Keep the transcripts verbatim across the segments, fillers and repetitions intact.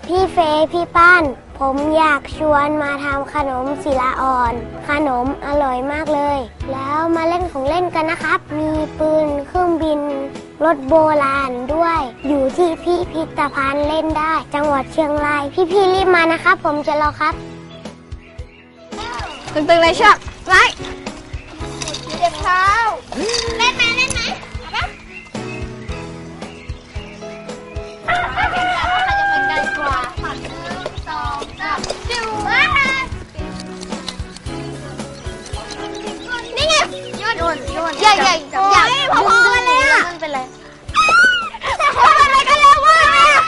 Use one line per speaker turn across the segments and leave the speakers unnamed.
พี่เฟย์พี่ป้านผมอยากชวนมาทำขนมศิลาอ่อนขนมอร่อยมากเลยแล้วมาเล่นของเล่นกันนะครับมีปืนเครื่องบินรถโบราณด้วยอยู่ที่พิพิธภัณฑ์เล่นได้จังหวัดเชียงรายพี่ๆรีบมานะครับผมจะรอครับ
ตึงๆเลยเชือกไว้เจ็บเท้าเล่นไหมเล่นไหมเอาปะนี่ไงโยนโยนโยนใหญ่ใหญ่ใหญ่พอๆกันเลยอ่ะมันเป็นไรแต่คนอะไรกันแล้ววะ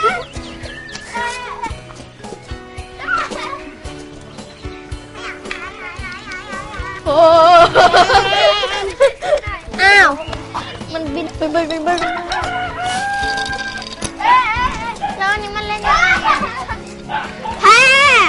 โอ้อ้าวมันบินบินบินบินบินแล้วอันนี้มันเล่นยังไงแพ้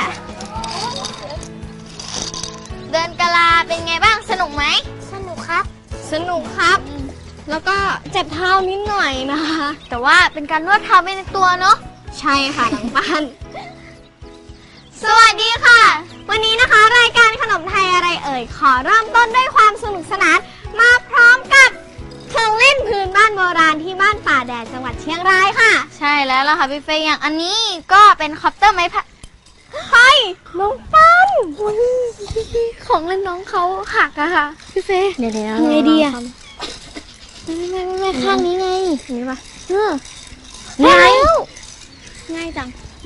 เดินกะลาเป็นไงบ้างสนุกไหม
สนุกครับ
สนุกครับแล้วก็เจ็บเท้านิดหน่อยนะคะแต่ว่าเป็นการนวดเท้าไปในตัวเนาะใช่ค่ะหลังบ้านสวัสดีค่ะวันนี้นะคะรายการขนมไทยอะไรเอ่ยขอเริ่มต้นด้วยความสนุกสนานมาพร้อมกับเครื่องเล่นพื้นบ้านโบราณที่บ้านป่าแดดจังหวัดเชียงรายค่ะใช่แล้วล่ะค่ะพี่เฟย์อย่างอันนี้ก็เป็นคอปเตอร์ไม้พายเฮ้ยน้องปั้นของเล่นน้องเขาหักอะค่ะพี่เฟย์
เดี๋ยว
ทำไงดีอะไม่ไม่ไม่ไม่ข้างนี้ไงนี่ปะเออง่ายง่ายจัง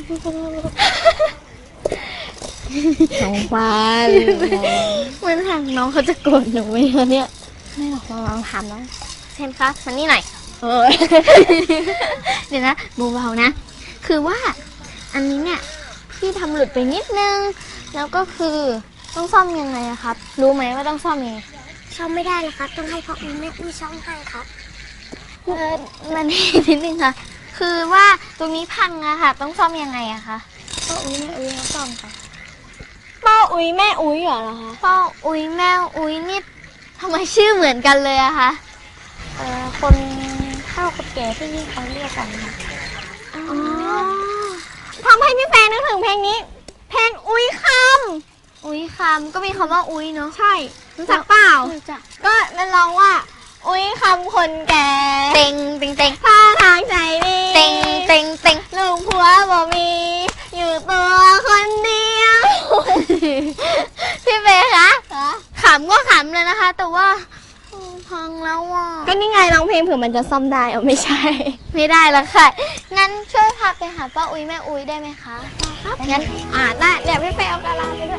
น้องปานมันทางน้องเขาจะโกรธหนูไหมคะเนี่ยไม่หรอกลองถามน้องเชนคะมันนี่หน่อยเออเดี๋ยวนะเบาๆนะคือว่าอันนี้เนี่ยพี่ทำหลุดไปนิดนึงแล้วก็คือต้องซ่อมยังไงอะครับรู้ไหมว่าต้องซ่อมยังไง
ซ่อมไม่ได้นะครับต้องให้พ่ออุ้ยแม่อุ้ยซ่อมให้ครับ
เออมันนิดนึงค่ะคือว่าตรงนี้พังอะค่ะต้องซ่อมยังไงอะคะพ่ออุ้ยแม่อุ้ยเขาซ่อมค่ะป้าอุ้ยแม่อุ้ยเหรอคะป้าอุ้ยแม่อุ้ยนี่ทำไมชื่อเหมือนกันเลยอะคะ
เอ่อคนเฒ่าคนแก่ที่นี่เขาเรียกกันค่ะ
อ๋อทำให้พี่แฟนนึกถึงเพลงนี้เพลงอุ้ยคำอุ้ยคำก็มีคำว่าอุ้ยเนาะใช่รู้จักเปล่ารู้จักก็มันร้องว่าอุ้ยคำคนแก่เต็งเต็งเต็งท่าทางใจดีเต็งเต็งเต็งลูกผัวบ่มีอยู่ตัวคนเดียวพี่เบย์คะขำก็ขำเลยนะคะแต่ว่าพังแล้วอ่ะก็นี่ไงร้องเพลงเผื่อมันจะซ่อมได้เอาไม่ใช่ไม่ได้ละค่ะงั้นช่วยพาไปหาป้าอุ้ยแม่อุ้ยได้ไหมคะครับงั้นอ่าได้เดี๋ยวพี่เบย์เอากระลาไปด้วย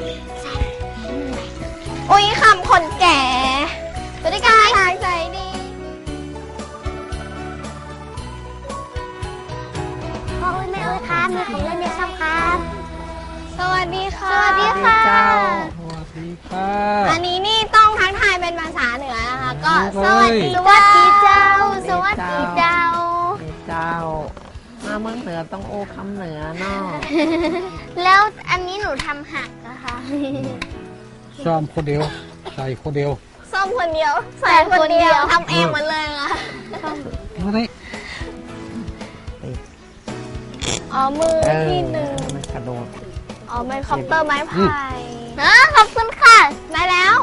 อุ้ยคำคนแก่บริการทางใจดี
พ่ออุ้ยแม่อุ้ยครับมีของเล่นเยอะครับ
สวัสดีค่ะสวัสดีค่ะ
สวัสดีค่ะ
อันนี้นี่ต้องทักทายเป็นภาษาเหนือนะคะก็สวัสดีสวัสดีเจ้าสวัสดีเจ้า
เจ้ามาเมืองเหนือต้องโอคำเหนือเนาะ
แล้วอันนี้หนูทำหักนะคะ
ซ่อมคนเดียวใส่คนเดียว
ซ่อมคนเดียวใส่คนเดียวทำเองหมดเลยค่ะ
มาดิ
อ๋อมือที่หนึ่ง
มันกระโดด
อ๋อเป็นคอปเตอร์ไม้พายนะขอบคุณค่ะได้แล้ว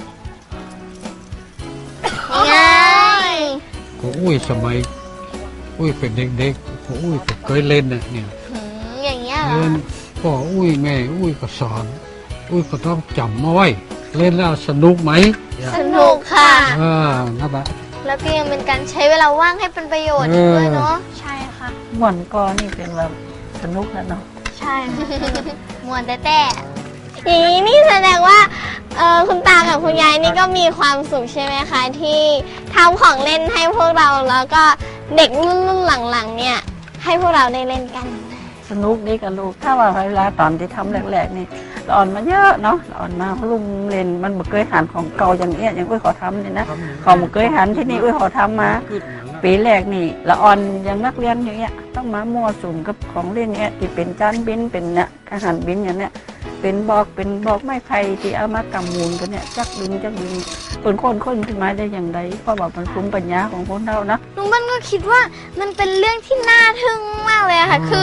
ง่าย
ก็อุ้ยสมัยอุ้ยเป็นเด็กๆก็อุ้ยก็เคยเล่นนะเนี่ย
อย่างเงี้ย
เล่นพ่ออุ้ยแม่อุ้ยก็สอนอุ้ยก็ต้องจำเอาไว้เล่นแล้วสนุกไหม
สนุกค่ะ
อ่านั่นแหละ
แล้วก็ยังเป็นการใช้เวลาว่างให้เป็นประโยชน์ด้วยเนาะใช่ค่ะ
ม่วนก็นี่เป็นแบบสนุกแล้วเนาะ
ใช่ม่วนแต่แต่อย่างนี้นี่แสดงว่าเออคุณตากับคุณยายนี่ก็มีความสุขใช่ไหมคะที่ทำของเล่นให้พวกเราแล้วก็เด็กรุ่นรุ่นหลังๆเนี่ยให้พวกเราได้เล่นกัน
สนุกดีกับลูกถ้าว่าเวลาตอนที่ทำแรกๆนี่อ่อนมาเยอะเนาะอ่อนมาลุงเล่นมันบ่เคยหันของเก่าอย่างเงี้ยอย่างอุ้ยขอทำเนี่ยนะของบ่เคยหันที่นี่อุ้ยขอทำมาปีแรกนี่ละอ่อนอย่างนักเรียนอย่างเงี้ยต้องมามั่วสุมกับของเล่นเงี้ยที่เป็นจานบินเป็นเนี่ยอาหารบินอย่างเนี้ยเป็นบอกเป็นบอกไม้ไผ่ที่เอามากำมูลกันเนี่ยจักบินจักบินคนคนคนขึ้นมาได้อย่างไรเพราะว่ามันภูมิปัญญาของคนเรานะ
ลุงบ้านก็คิดว่ามันเป็นเรื่องที่น่าทึ่งมากเลยค่ะคือ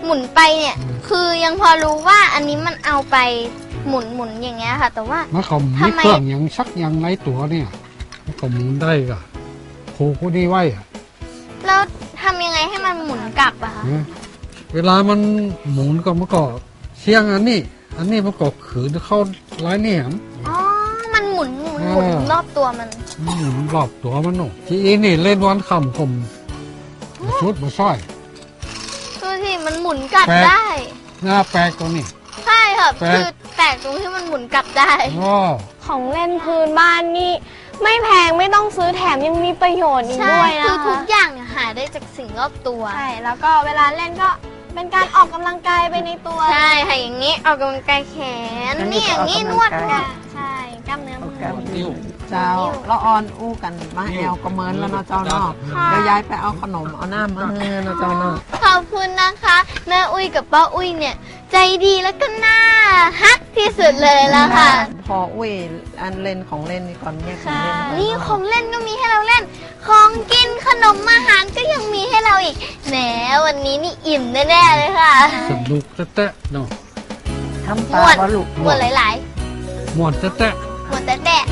หมุนไปเนี่ย คือยังพอรู้ว่าอันนี้มันเอาไปหมุนหมุนอย่างเงี้ยค่ะ แต่ว่า
มันก็มีเครื่องอย่างชักอย่างไรตัวเนี่ยมันก็หมุนได้ก็ผูกนี่ไว้อะ
แล้วทำยังไงให้มันหมุนกลับอะคะ
นะเวลามันหมุนก็มันก็เชียงอันนี้ อันนี้มันก็ขืนเข้าร้ายเนี่ยม
อ๋อ มันหมุนหมุนหมุน
อ่า
รอบตัวมัน
มันหมุนรอบตัวมันหนูที่อีนี่เล่นวันคำผมชุดมาซ้อย
ดูสิมันหมุนกลับ
แปลก
ได้
หน้าแปลกตัวนี้
ใช่ค่ะ
แปลก
คือแปลกตรงที่มันหมุนกลับได้
อ๋อ
ของเล่นพื้นบ้านนี่ไม่แพงไม่ต้องซื้อแถมยังมีประโยชน์อีก
ใช่
ด้วยนะ
คือทุ
คะ
กอย่างเนี่ยหาได้จากสิ่งรอบตัว
ใช่แล้วก็เวลาเล่นก็เป็นการออกกำลังกายไปในตัว
ใช่ค่ะอย่างนี้ออกกำลังกายแขน
อันนี้
นี่อย่างนี้น
ก็อ
ว
อก
ด
กำลังกาย
นวด
ใช่กล้ามเนื้อมือ
นิ้ว
เจ้าละออนอู้กันมาแอลก็เมินแล้วเนาะเจ้าเนาะเดี๋ยวยายไปเอาขนมเอาน้ำมาให้เนาะเจ้าเนาะ
ขอบคุณนะคะแม่อุ้ยกับป้าอุ้ยเนี่ย ใจดีแล้วก็น่าฮักที่สุดเลยแล้วค่ะ
พออุ้ยอันเล่นของเล่นนี่ก่อนเนี่ยของเล่นก่
นี่ของเล่นก็มีให้เราเล่น ของกินขนมอาหารก็ยังมีให้เราอีกแหมวันนี้นี่อิ่มแน่ๆเลยค่ะ
สนุกแตะๆเนาะ
ทำ
ห
ปลาม
วด
บ่ลูก
หมวดหลาย
หมวนแตะ
ๆหมวดแต่แต่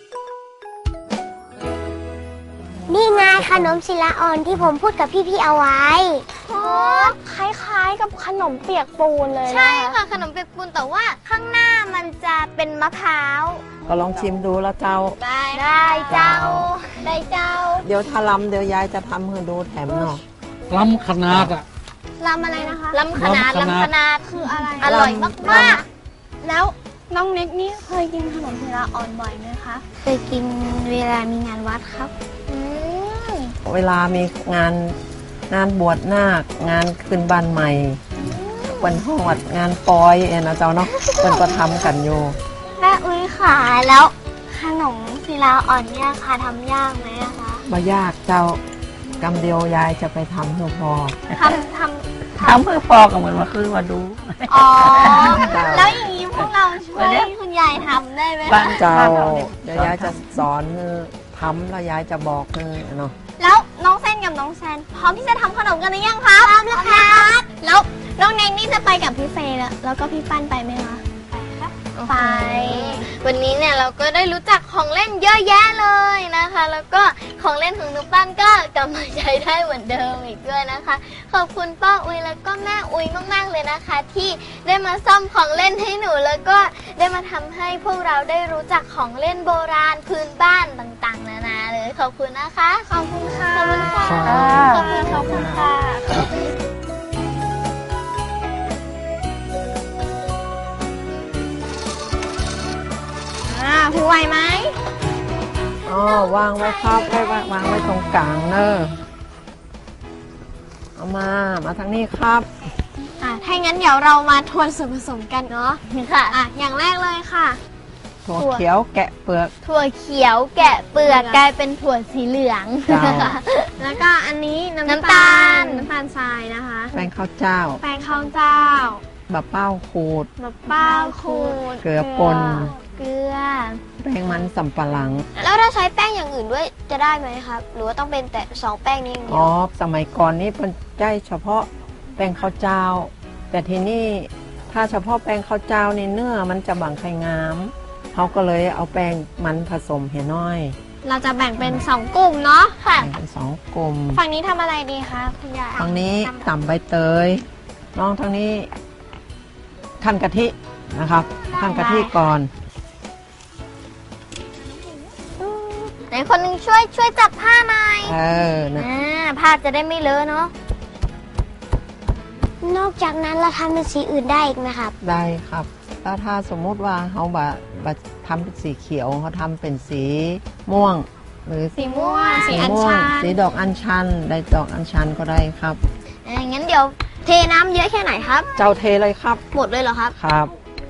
นี่ไงขนมศิลาอ่อนที่ผมพูดกับพี่ๆเอาไว้
โอ้คล้ายๆกับขนมเปียกปูนเลย
ใช่
นะคะ
ค่ะขนมเปียกปูนแต่ว่าข้างหน้ามันจะเป็นมะพร้าว
ก็ลองชิมดูแล้วเจ้า
ได้ได้เจ้า ได้เจ้า
เดี๋ยวถ้าลำเดี๋ยวยายจะทำให้ดูแถมเนาะ
ๆล้ำขนาดอ่ะ
ลำอะไรนะคะ
ลำขนาด
ลำขนาด
ลำขนาด
คืออะไร
อร่อยมาก
แล้วน้องเน็กนี่เคยกินขนมศิลาอ่อนบ่อยไหมคะ
ๆเคยกินเวลามีงานวัดครับอืม
เวลามีงานงานบวชนาคงานขึ้นบ้านใหม่วันหอดงานปอยเอ็นะเจ้าเนาะเป็นก็ทำกันอยู่
แม่อุ้ยค่ะแล้วขนมศิลาอ่อนเนี่ยค่ะทำยากไหมอะคะ
มายากเจ้ากำเดียวยายจะไปทำให้พอ
ทำทำ
ทำเพื่อพอก็เหมือนมาคือมาดู
อ๋อ แล้วอย่างนี้พวกเราช่วยคุณยายทำได้ไหม
บ้าน
คะ
เจ้า
บ้านเรานี่
เดี๋ยวยายจะสอนทำแล้วยายจะบอกเนาะ
แล้วน้องเส้นกับน้องแซนพร้อมที่จะทำขนมกันหรือยังคะพร้อมแล้วครับแล้วน้องเนงนี่จะไปกับพี่เฟย์แล้วแล้วก็พี่ปั้นไปไหมคะไป
วันนี้เนี่ยเราก็ได้รู้จักของเล่นเยอะแยะเลยนะคะ แล้วก็ของเล่นของนุปั้นก็กลับมาใช้ได้เหมือนเดิมอีกด้วยนะคะ ขอบคุณป้าอุ้ยแล้วก็แม่อุ้ยมากๆเลยนะคะ ที่ได้มาซ่อมของเล่นให้หนู แล้วก็ได้มาทำให้พวกเราได้รู้จักของเล่นโบราณพื้นบ้านต่างๆ นานาเลยขอบคุณนะคะ ขอบคุณค่ะขอบคุณค่ะ
ครับ
ขอบคุณขอบคุณค่ะ
อ่าพี่ไหวไหม
อ๋อวางไว้ครับไว้วางวางไว้ตรงกลางเนอะเอามามาทางนี้ครับ
อ่าถ้างั้นเดี๋ยวเรามาทวนส่วนผสมกันเนาะ
ค่ะ
อ่ะอย่างแรกเลยค่ะ
ถั่วเขียวแกะเปลือก
ถั่วเขียวแกะเปลือกกลายเป็นถั่วสีเหลือง
จ้า
แล้วก็อันนี้น้ำ
น้ำตาล
น้ำตาลทรายนะคะ
แป้งข้าวเจ้า
แป้งข้าวเจ้า
บะเป้าขูด
มะเป้าขูด
เกลือป่น
เกลือ
แป้งมันสำปะหลัง
แล้วถ้าใช้แป้งอย่างอื่นด้วยจะได้ไหมครับ หรือว่าต้องเป็นแต่สองแป้งนี้อย่างเดี
อ๋
ย
อ
ว
สมัยก่อนนี่เป็นได้เฉพาะแป้งข้าวเจ้า แต่ทีนี้ถ้าเฉพาะแป้งข้าวเจ้านี่เนื้อมันจะบางไข่งามเขาก็เลยเอาแป้งมันผสมให้น้อย
เราจะแบ่งเป็นสองกลุ่มเนาะค่ะ
แบ่งเป็นสองกลุ่ม
ฝั่งนี้ทำอะไรดีคะคุณยาย
ทางนี้ต่ำใบเตย น้องทางนี้ขั้นกะทินะครับขั้นกะทิก่อน
ไหนคนหนึงช่วยช่วยจับผ้าหน่อย
เออนะ
อ่าผ้าจะได้ไม่เลอะเนาะ
นอกจากนั้นเราทำเป็นสีอื่นได้อีกไหมครับ
ได้ครับ แล้วถ้าสมมุติว่าเขาบะบะทำเป็นสีเขียวเขาทำเป็นสีม่วง หรือ
สีม่วงสีอัญ
ม่ว
ชั
ง
น
สีดอกอัญชันได้ดอกอัญชันก็ได้ครับ
อ่างั้นเดี๋ยวเทน้ำเยอะแค่ไหนครับ
เจ้าเทเลยครับ
หมดเลยเหรอครับ
ครับ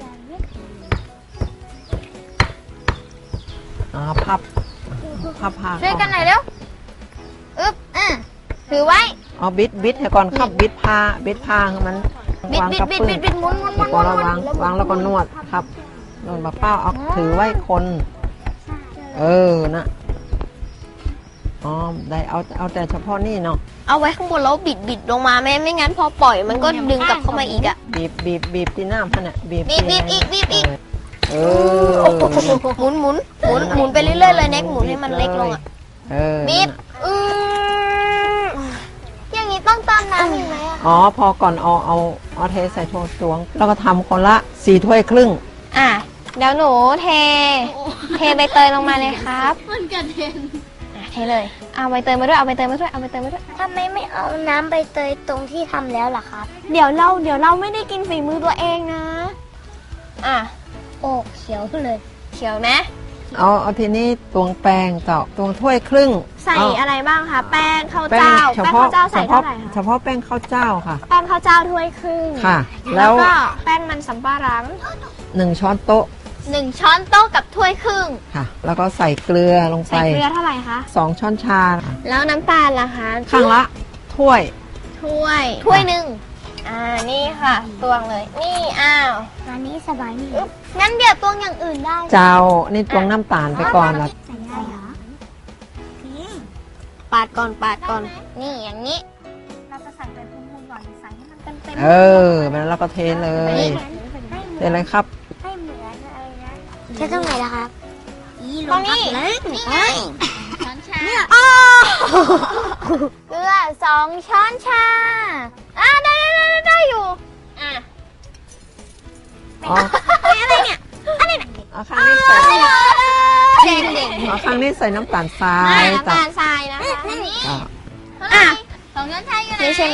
อ่าพับพับผ้า
ช่วยกันหน่อยเร็วอึ๊บอ่ะถือไว้
เอาบิดบิดให้ก่อนครับบิดผ้าบิดผ้าให้มัน
บิด
วาง
บิด
กับ
บิด
ปื้
บิ
น
ดบิดหมุนหมุนหมุ
แล้
น
ว
หมุ
ก็
น
ระวางวางแล้วก็นวดครับนวดบะเป้าเอาถือไว้คน เออนะอ๋อได้เอาเอาแต่เฉพาะนี่เนาะ
เอาไว้ข้างบนแล้วบิดบิดลงมาไม่ไม่งั้นพอปล่อยมันก็ดึงกลับเข้ามาอีกอะ
บีบบีบบีบที่น้ำพันอ่ะบีบ
บีบบีบอีกบีบอีก
เออ
หมุนหมุนหมุนหมุนไปเรื่อยๆเลยเน็กหมุนให้มันเล็กลงอะ
เออ
บีบอืมอย่างนี้ต้องเติมน้ำอีกไหมอะ
อ๋อพอก่อนเอาเอาเอาเทใส่ถ้วยตวง แล้วก็ทำคนละสี่ถ้วยครึ่ง
อ่ะเดี๋ยวหนูเท เทใบเตยลงมาเลยครับมันกระเด็นอ่ะเทเลยเอาใบเตยมาด้วยเอาใบเตยมาด้วยเอาใบเตยมาด้วย
ทำไมไม่เอาน้ำใบเตยตรงที่ทำแล้วล่ะครับ
เดี๋ยวเราเดี๋ยวเราไม่ได้กินฝีมือตัวเองนะอ่ะ
โอ้เขียวเลย
เขียวนะ
เอาเอาทีนี้ตวงแป้งต่อตวงถ้วยครึ่ง
ใส่
เอา
อะไรบ้างคะแป้งข้าว
แป้ง
เจ้า
เฉ
แป้ง
พาะ
ข้าวเจ้า
เฉ
ใส่
พาะ
เท่าไหร่
เฉ
คะ
พาะแป้งข้าวเจ้าค่ะ
แป้งข้าวเจ้าถ้วยครึ่ง
ค่ะ
แล้
แล้ว ว
ก็แป้งมันสำปะหลัง
หนึ่งช้อนโต๊ะ
หนึ่งช้อนโต๊ะกับถ้วยครึ่ง
ค่ะ แล้วก็ใส่เกลือลงไป
ใส่เกลือเท่าไหร่คะ
สองช้อนชาค่ะ
แล้วน้ำตาลล่ะคะ
ข้างละถ้วย
ถ้วยถ้วยหนึ่งอ่านี่ค่ะตวงเลยนี่อ้าว
อันนี้สบายนี่
อึ๊บงั้นเดี๋ยวตวงอย่างอื่นได้
เจ้านี่ตวงน้ำตาลไปก่อนแล้ว
ใส่ได้เหรอ
ปาดก่อนปาดก่อน นี่อย่างนี้ เราจะใส่เป็นพูนๆก่อนใส่ให้มันเต็มเต็ม
เออแล้วเราก็เทเลยเทเลยครับ
ให้เหมือนอะไรนะใช้ตรงไหนล่ะครับอี
ตรงนี้
นี่ไง
เนี่ยอ๋อเกลือสองช้อนชาอ่าได้ได้ได้ได้อยู่อ่ะ
อ๋อ
อะไรเนี่ยอะไรเนี่ย
เอาข้างนี้ใส่
เด็กเด็ก
เอาข้างนี้ใส่น้ำตาลทราย
น้ำ
ต่อ
ตาลทรายนะคะอันนี้
อ่ะ
อ่ะสองช้อนชาอยู่ไหนนี่ใช่ไหม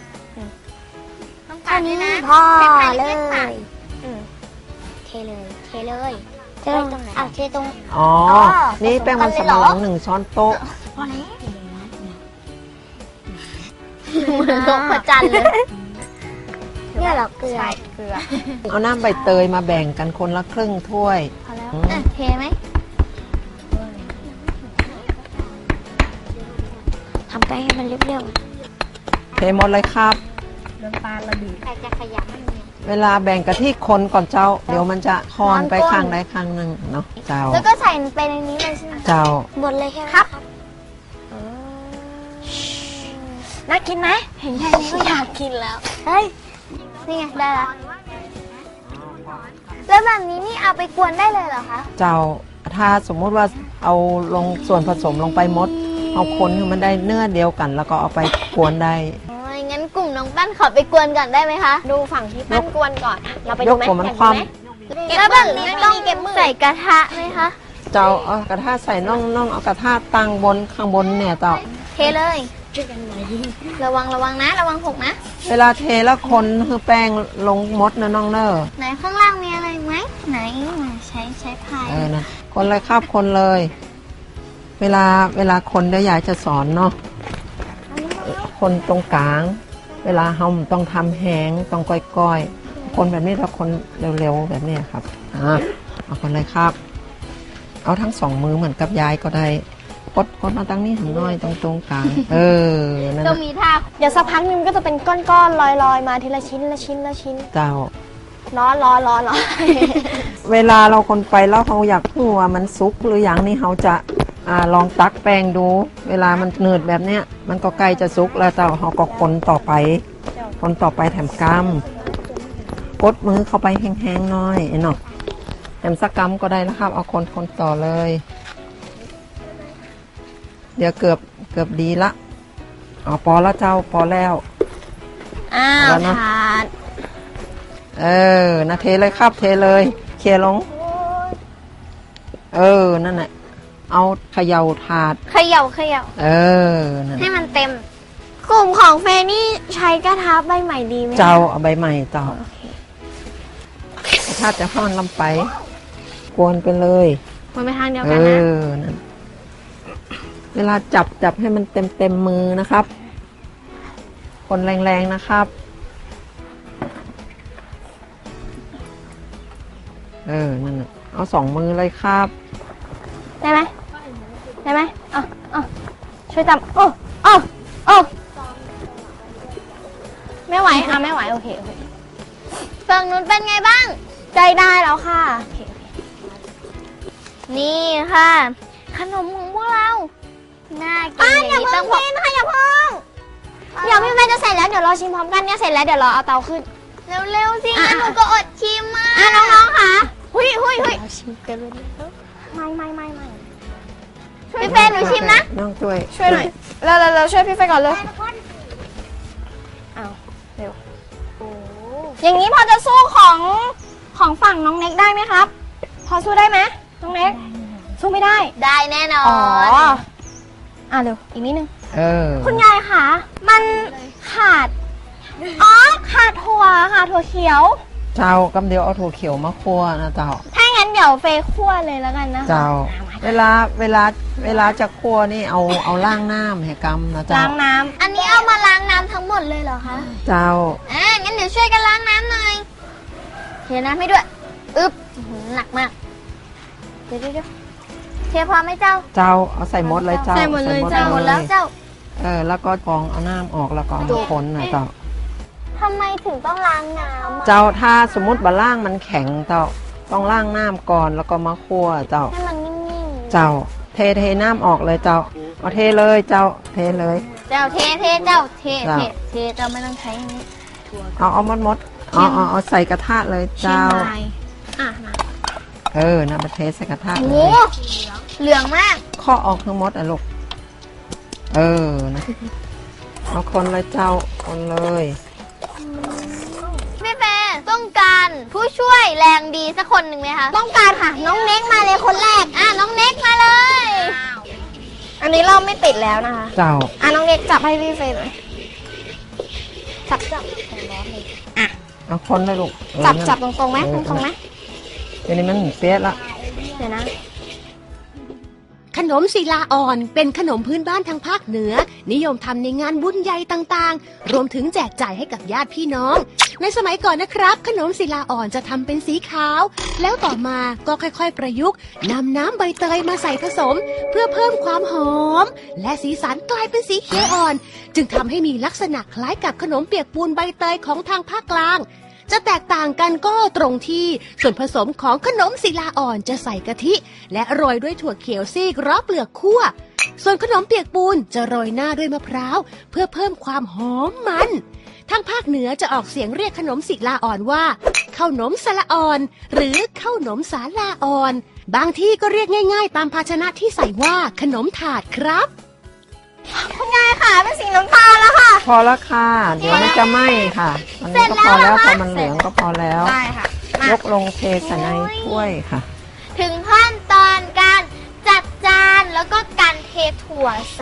อันนี้พอเลย
อืม
เทเลย เทเลยเทเลยตรงไหนอ่ะเทตรง
อ๋อ นี่แป้งมันสำปะหลังหนึ่งช้อนโต๊ะ
พอแล้ว
เหมือนนกพระจันทร์เลย
เนี่ยเหรอเกลือ
ใช่เกลือ
เอาน้ำใบเตยมาแบ่งกันคนละครึ่งถ้วย
พอแล้ว
อืม
อ่ะเทไหม
ทำไปให้มันเรียบ
เทหมดเลยครับ
ๆแต่จะขยับมันเนี่ย
เวลาแบ่งกะทิคนก่อนเจ้า เดี๋ยวมันจะคอนไปข้างใดข้างหนึ่งเนาะเจ้า
แล้วก็ใส่ไปในนี้เลยใช่ไหม
เจ้า
หมดเลยใช่ไหม
ครับ น่ากินไหมเห็นแค่นี้ก็อยากกินแล้ว
เฮ้ย
นี่ไงได้ละแล้วแบบนี้นี่เอาไปกวนได้เลยเหรอคะ
เจ้า ถ้าสมมุติว่าเอาลงส่วนผสมลงไปหมด เอาคนให้มันได้เนื้อเดียวกัน แล้วก็เอาไปกวนได้
โอ้ยงั้นกลุ่มน้องปั้นขอไปกวนก่อนได้ไหมคะ ดูฝั่งที่ปั้นกวนก่อนอะเราไปดูไหม
ยกหัวมัน
อยาก
คว่ำ
ดูไหมแล้วแบบนี้ต้องใส่กระทะไหมคะ
เจ้าเอากระทะใส่น่องน่องเอากระทะตั้งบนข้างบนเนี่ยเจ้า
เทเลย ระวังระวังนะ ระวังหกนะ
เวลาเทแล้วคนคือแป้งลงมดนะน้องเนอร์
ไหนข้างล่างมีอะไรไหมไหนใช้ใช้พาย
เออนะคนเลยครับคนเลย เวลาเวลาคนเดี๋ยวยายจะสอนเนาะคนตรงกลาง เวลาเฮาต้องทำแหงต้องก้อยๆ คนแบบนี้แล้วคนเร็วๆแบบนี้ครับอ่ะเอาคนเลยครับ เอาทั้งสองมือเหมือนกับยายก็ได้กดกดมาตั้งนี้หันน้อยตรงตรงกลาง เออนั่น
ต้อง
นะ
มีท่า เดี๋ยวสักพักนึงก็จะเป็นก้อนๆลอยๆมาทีละชิ้นละชิ้นละชิ้น
เจ้า
ร้อนร้อนร้อนร้อน
เวลาเราคนไปแล้วเขาอยากรู้ว่ามันสุกหรือยังนี่เขาจะอ่าลองตักแป้งดู เวลามันเนืดแบบเนี้ยมันก็ใกล้จะสุกแล้วแต่เขาก็คนต่อไป คนต่อไปแถมกำกดมือเข้าไปแห้งๆหน้อยเนาะแถมสักกำก็ได้แล้วครับเอาคนคนต่อเลย เดี๋ยวเกือบเกือบดีละอ๋อพอแล้วเจ้าพอแล้ว
อ้าว
แล้วนะ
ถาด
เออนะเทเลยครับเทเลยเคลียร์ลง เออนั่นแหละเอาเขย่าถาด
เขย่าเขย่า
เออนั่น
ให้มันเต็ม กลุ่มของเฟย์นี่ใช้กระทะใบใหม่ดีไหม
เจ้าเอาใบใหม่เจ้าถ้าจะห้อนลำไป กวนไปเลย
มันไปทางเดียว
เอ
กันนะ
อนั่นเวลาจับจับให้มันเต็มเต็มมือนะครับ คนแรงๆนะครับ เออนั่นน่ะเอาสองมือเลยครับ
ได้ไหมได้ไหมอ่ะอ่ะช่วยจับโอ้โอ้โอ้ไม่ไหวอ่ะไม่ไหวโอเคโอเคฝั่งนู้นเป็นไงบ้าง ใจได้แล้วค่ะโอเคโอเคนี่ค่ะ ขนมของพวกเราน่ากินอย่างนี้ต้องกินค่ะอย่าพึ่งเดี๋ยวพี่แม่จะเสร็จแล้วเดี๋ยวรอชิมพร้อมกันเนี่ยเสร็จแล้วเดี๋ยวรอเอาเตาขึ้นเร็วๆสิงั้นหนูก็อดชิมอ่ะอ่ะน้องๆค่ะหุยหุยหุยชิมกันเลยไม่ไม่ไม่ไม่พี่เฟย์หนูชิมนะ
น้องช่วย
ช่วยหน่อยเราเราเราช่วยพี่เฟย์ก่อนเลยเอาเร็วอย่างนี้พอจะสู้ของของฝั่งน้องเน็กได้ไหมครับ พอสู้ได้ไหมน้องเน็กสู้ไม่ได้
ได้แน่นอ
อ๋อน อ่ะเร็วอีกนิดนึง
เออ
คุณยายคะมันขาดอ๋อขาดถั่วค่ะถั่วเขียว
เจ้ากำเดียวเอาถั่วเขียวมาคั่วนะเจ้า
ถ้างั้นเดี๋ยวเฟย์คั่วเลยแล้วกันนะคะ
เจ้า เวลาเวลาเวลาจะคั่วนี่เอาเอาล้างน้ำให้กำนะเจ้า
ล้างน้ำ
อันนี้เอามาล้างน้ำทั้งหมดเลยเหรอคะ
เจ้า
อ่างั้นเดี๋ยวช่วยกันล้างน้ำหน่อยเทน้ำให้ด้วยอึ๊บอื้อหือหนักมากเดี๋ยวเดี๋ยวเดี๋ยวเทพอไหมเจ้า
เจ้าเอาใส่หมดเลยเจ้า
ใส่หมดเลยเจ้า
หมดแล้วเจ้า
เออแล้วก็กรองเอาน้ำออกแล้วก็เอามาคนนะเจ้า
ทำไมถึงต้องล้างน้ำอะ
เจ้าถ้าสมมติบะล่างมันแข็งเจ้าต้องล้างน้ำก่อนแล้วก็มาคั่วเจ้า
ให้มันนิ่มๆ
เจ้าเทเทน้ำออกเลยเจ้าเอาเทเลยเจ้าเทเลย
เจ้าเทเทเจ้าเท
เจ้า
เทเทเจ้าไม่ต้องใช้อันนี้
เอาเอามดมดเอาเอาเอาใส่กระทะเลย
เชียง
เจ้า
รายอ่ะมา
เออนะมาเทใส่กระทะ
โอ้
เล
โห
ย
เหลืองมาก
ข้อออกทั้งหมดอ่ะลูกเออนะเอาคนเลยเจ้าคนเลย
พี่เฟย์ต้องการผู้ช่วยแรงดีสักคนหนึ่งไหมคะ
ต้องการค่ะ น้องเน็กมาเลยคนแรก
อ่ะน้องเน็กมาเลย
อันนี้เราไม่ติดแล้วนะคะ
เจ้า
อ่ะน้องเน็กจับให้พี่เฟย์หน่อยจับจับ
เอาคนเลยลูกเออ
จับ
นั่น
จับตรงๆไหมตรงๆไหม
เดี๋ยวนี้มันเปี๊ยะละ
เดี๋ยวนะ
ขนมศิลาอ่อนเป็นขนมพื้นบ้านทางภาคเหนือ นิยมทำในงานบุญใหญ่ต่างๆ รวมถึงแจกจ่ายให้กับญาติพี่น้อง ในสมัยก่อนนะครับ ขนมศิลาอ่อนจะทำเป็นสีขาว แล้วต่อมาก็ค่อยๆประยุกต์นำน้ำใบเตยมาใส่ผสม เพื่อเพิ่มความหอม และสีสันกลายเป็นสีเขียวอ่อน จึงทำให้มีลักษณะคล้ายกับขนมเปียกปูนใบเตยของทางภาคกลาง จะแตกต่างกันก็ตรงที่ส่วนผสมของขนมศิลาอ่อนจะใส่กะทิ และโรยด้วยถั่วเขียวซีกรอบเปลือกคั่ว ส่วนขนมเปียกปูนจะโรยหน้าด้วยมะพร้าวเพื่อเพิ่มความหอมมัน ทางภาคเหนือจะออกเสียงเรียกขนมศิลาอ่อนว่าข้าวหนมสละอ่อน หรือข้าวหนมสาลาอ่อน บางที่ก็เรียกง่ายๆ ตามภาชนะที่ใส่ว่าขนมถาดครับ
คุณยายค่ะเป็นสีน้ำตาลแล้วค่ะ
พอแล้วค่ะ เดี๋ยวมันจะไหม้ค่ะอันนี้ก็พอแล้วพอมันเหลืองก็พอแล้ว
ได้ค่ะ
ยกลงเทใส่ในถ้วยค่ะ
ถึงขั้นตอนการจัดจานแล้วก็การเทถั่วใส่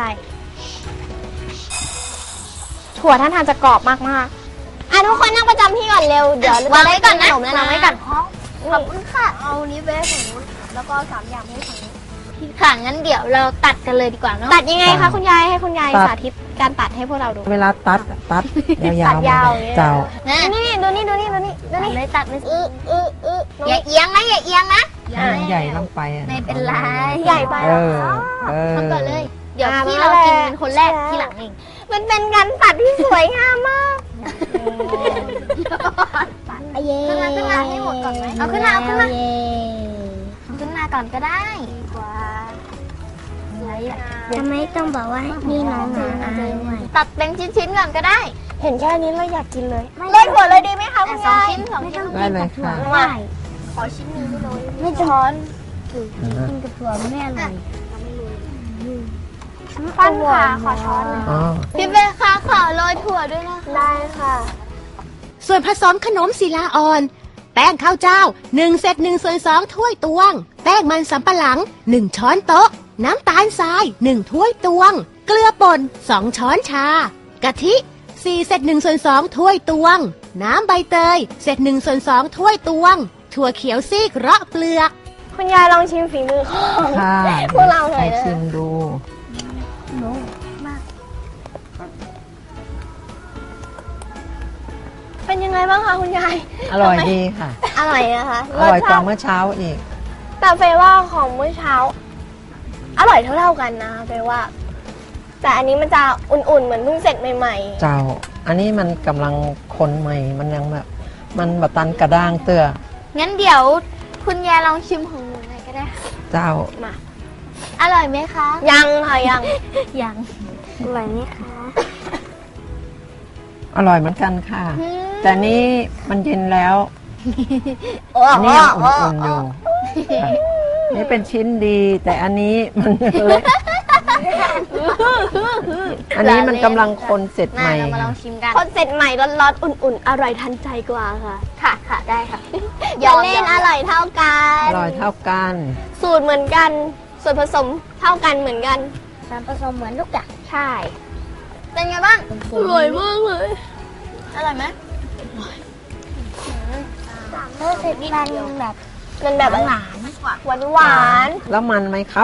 ถั่วท่านทานจะกรอบมากๆอ่ะทุกคนนั่งประจำที่ก่อนเร็ว เดี๋ยว
วางไว้ก่อนนะ
ขมแล้วนะวางไว้ก่อน
ขอบคุณค่ะ เอานี้ไปฝั่งนู้นแล้วก็สามอย่างให้ฝั่งนี้ค่ะงั้นเดี๋ยวเราตัดกันเลยดีกว่าเนาะ
ตัดยังไงคะคุณยายให้คุณยาย
ตัด
สาธิตการตัดให้พวกเราดู
เวลาตัดตัดยาวๆ
ตัดยาว
มาเลยเจ้า
นะ
นี่ดูนี่ดูนี่ดูนี่ดู
ตัด
นี่
เลยตัดเลย
อื้ออื้ออื้อ
อย่าเอียงนะอย่าเอียงนะ
ให้มันใหญ่ลงไปอะ
ไม่เป็นไร
ใหญ่ไป
เออเออ
ทำก่อนเลย เดี๋ยว
อ่า
พี่
มา
เรากิน
แล้ว
เป็นคนแรกทีหลังเอง
มันเป็นการตัดที่สวยงามมาก
เย้ขึ้นมาขึ้นมาให้หมดก่อนไหมเอาขึ้นมาเอาขึ้นมาเอาขึ้นมาก่อนก็ได้กว่า
ทำไมต้องบอกว่านี่น้องหมาอายด้วย
ตัดเป็นชิ้นๆก่อนก็ได้
เห็นแค่นี้เราอยากกินเลยโรยถั่วเลยดีไหมคะคุณ
สอง
ยาย
ชิ้นสองชิ้น
ได้เลยค่ะ
มา
ขอชิ้นหนึงด้วย
ไม่ช้อน
กินกับถั่วไม่อร่อย
ปั้นค่ะขอช้อนหน่อย
อ๋อ
พี่เบคะขอโรยถั่วด้วยนะคะ
ได้ค่ะ
ส่วนผสมขนมศิลาอ่อน แป้งข้าวเจ้า1เศษ1ส่วน2ถ้วยตวง แป้งมันสำปะหลัง1ช้อนโต๊ะ น้ำตาลทราย1ถ้วยตวง เกลือป่น2ช้อนชากะทิ4เศษ1ส่วน2ถ้วยตวง น้ำใบเตยเศษ1ส่วน2ถ้วยตวง ถั่วเขียวซีกเราะเปลือก
คุณยายลองชิมฝีมือของ
ค่ะ
พวกเราหน่อย
ให้
นะ
ชิมดู
เป็นยังไงบ้างคะคุณยาย
อร่อยดีค่ะ
อร่อยนะคะ
อร่อยกว่า
สชติ
เมื่อเช้าอีก
แต่เฟย์ว่าของเมื่อเช้า อร่อยเท่าๆกันนะเฟย์ว่า แต่อันนี้มันจะอุ่นๆเหมือนเพิ่งเสร็จใหม่
เจ้า อันนี้มันกำลังคนใหม่ มันยังแบบ มันแบบตันกระด้างเตื้อ
งั้นเดี๋ยวคุณยายลองชิมของหนูหน่อยก็ได้
เจ้า
ๆ มา
อร่อยไหมคะ
ยังค่ะยัง
ยัง
อร่อยไหมคะ
อร่อยเหมือนกันค่ะ แต่นี่มันเย็นแล้ว
โอ้
อัน
โห
นี้ยังอุ่นๆอยู่ค่ะนี่เป็นชิ้นดี แต่อันนี้มันเล็กอันนี้มันกำลังคนเสร็จใหม่
เรามาลองชิมกัน
คนเสร็จใหม่ร้อนๆอุ่นๆ อร่อยทันใจกว่าค่ะ
ค่ะค่ะได้ค่ะ
อย่าเล่นอร่อยเท่ากั
อน ร่อยเท่ากัน
สูตรเหมือนกัน ส่วนผสมเท่ากันเหมือนกัน
ส่วนผสมเหมือนทุกอย่าง
ใช่ เป็นไงบ้าง อร่อยมากเลย
อร่อยไหม
รู้สึกมันแบบ
มันแบบหวานหวานหวาน
แล้วมันไหมครับ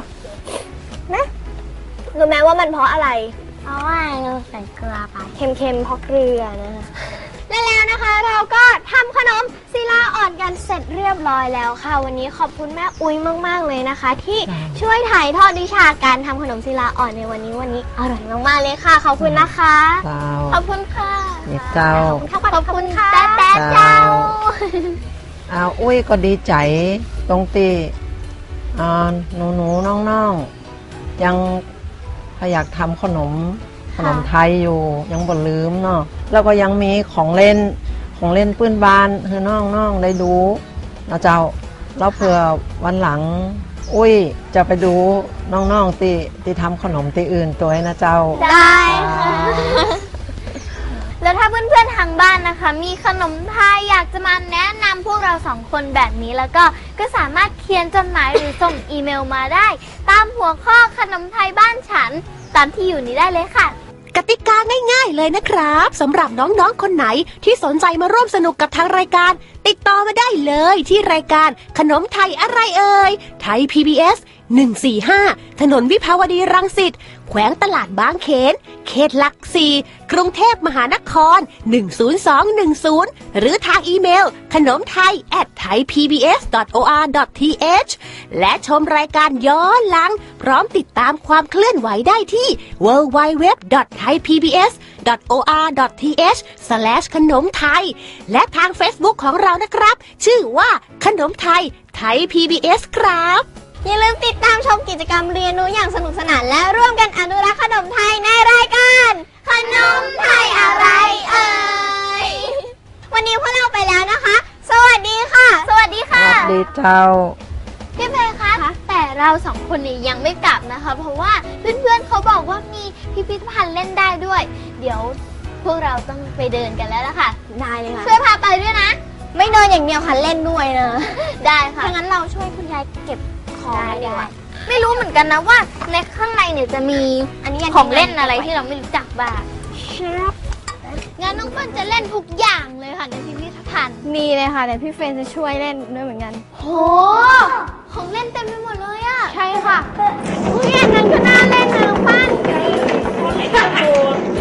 รู้ไหมว่ามันเพราะอะไร
เพราะว่าเราใส่เกลือไป
เค็มๆเพราะเกลือนะคะและแล้วนะคะเราก็ทำขนมศิลาอ่อนกันเสร็จเรียบร้อยแล้วค่ะ วันนี้ขอบคุณแม่อุ้ยมากๆเลยนะคะ ที่ช่วยถ่ายทอดวิชาการทำขนมศิลาอ่อนในวันนี้วันนี้อร่อยมากๆเลยค่ะขอบคุณนะคะ
เจ้า
ขอบคุณค่ะ
นี่เจ้า
ขอบคุณค่ะแต๊ะแต๊ะเจ้า
เอาอุ้ยก็ดีใจตรงตีอ่าหนูหนูน้องน้องๆยังอยากทำขนมขนมไทยอยู่ยังบ่ลืมเนาะแล้วก็ยังมีของเล่นของเล่นปื้นบานคือน้องน้องได้ดูนะเจ้าแล้วเผื่อวันหลัง อุ้ยจะไปดูน้องๆตีตีทำขนมตีอื่นตัวให้นะเจ้า
ได้ค่ะ แล้วถ้าเพื่อนๆทางบ้านนะคะ มีขนมไทยอยากจะมาแนะนำพวกเราสองคนแบบนี้แล้วก็ก็สามารถเขียนจดหมายหรือส่งอีเมลมาได้ ตามหัวข้อขนมไทยบ้านฉันตามที่อยู่นี้ได้เลยค่ะ
กติกาง่ายๆเลยนะครับสำหรับน้องๆคนไหนที่สนใจมาร่วมสนุกกับทางรายการ ติดต่อมาได้เลยที่รายการขนมไทยอะไรเอ่ยไทย พี บี เอส หนึ่งสี่ห้าถนนวิภาวดีรังสิตแขวงตลาดบางเขนเขตหลักสี่กรุงเทพมหานครหนึ่งศูนย์สองหนึ่งศูนย์หรือทางอีเมลขนมไทย แอท ไทยพีบีเอส ดอท โอ อาร์ ดอท ที เอช และชมรายการย้อนหลัง พร้อมติดตามความเคลื่อนไหวได้ที่ ดับเบิลยู ดับเบิลยู ดับเบิลยู ดอท ไทยพีบีเอส ดอท โอ อาร์ ดอท ที เอช สแลช ขนมไทยและทาง Facebook ของเรานะครับ ชื่อว่าขนมไทยไทย พี บี เอส ครับ
อย่าลืมติดตามชมกิจกรรมเรียนรู้อย่างสนุกสนานและร่วมกันอนุรักษ์ขนมไทยในรายการขนมไทยอะไรเอ่ยวันนี้พวกเราไปแล้วนะคะ สวัสดีค่ะ
สวัสดี
ส
ค่ะ
วัสดีเจ้า
พี่เพย์คะแต่เราสองคนนี้ยังไม่กลับนะคะ เพราะว่าเพื่อนๆเขาบอกว่ามีพิพิธภัณฑ์เล่นได้ด้วย เดี๋ยวพวกเราต้องไปเดินกันแล้วล่ะค่ะ
ได้เลยค่ะ
ช่วยพาไปด้วยนะ
ไม่เดินอย่างเดียวค่ะเล่นด้วยนะ
ได้ค่ะ
ถ้างั้นเราช่วยคุณยายเก็บของ
ได้
ดีกว่า
ไม่รู้เหมือนกันนะว่าในข้างในเนี่ยจะมี
อันนี้ยั
ของเล่นอะไรที่เราไม่รู้จักบ้างงั้นน้องเปิ้ลจะเล่นทุกอย่างเลยค่ะในพิพิธภัณฑ์
มีเลยค่ะเดี๋ยวพี่เฟรนจะช่วยเล่นด้วยเหมือนกัน
โหของเล่นเต็มไปหมดเลยอะ
ใช่ค่ะอุ้ยอันนั้นก็น่าเล่นนะน้องปั้น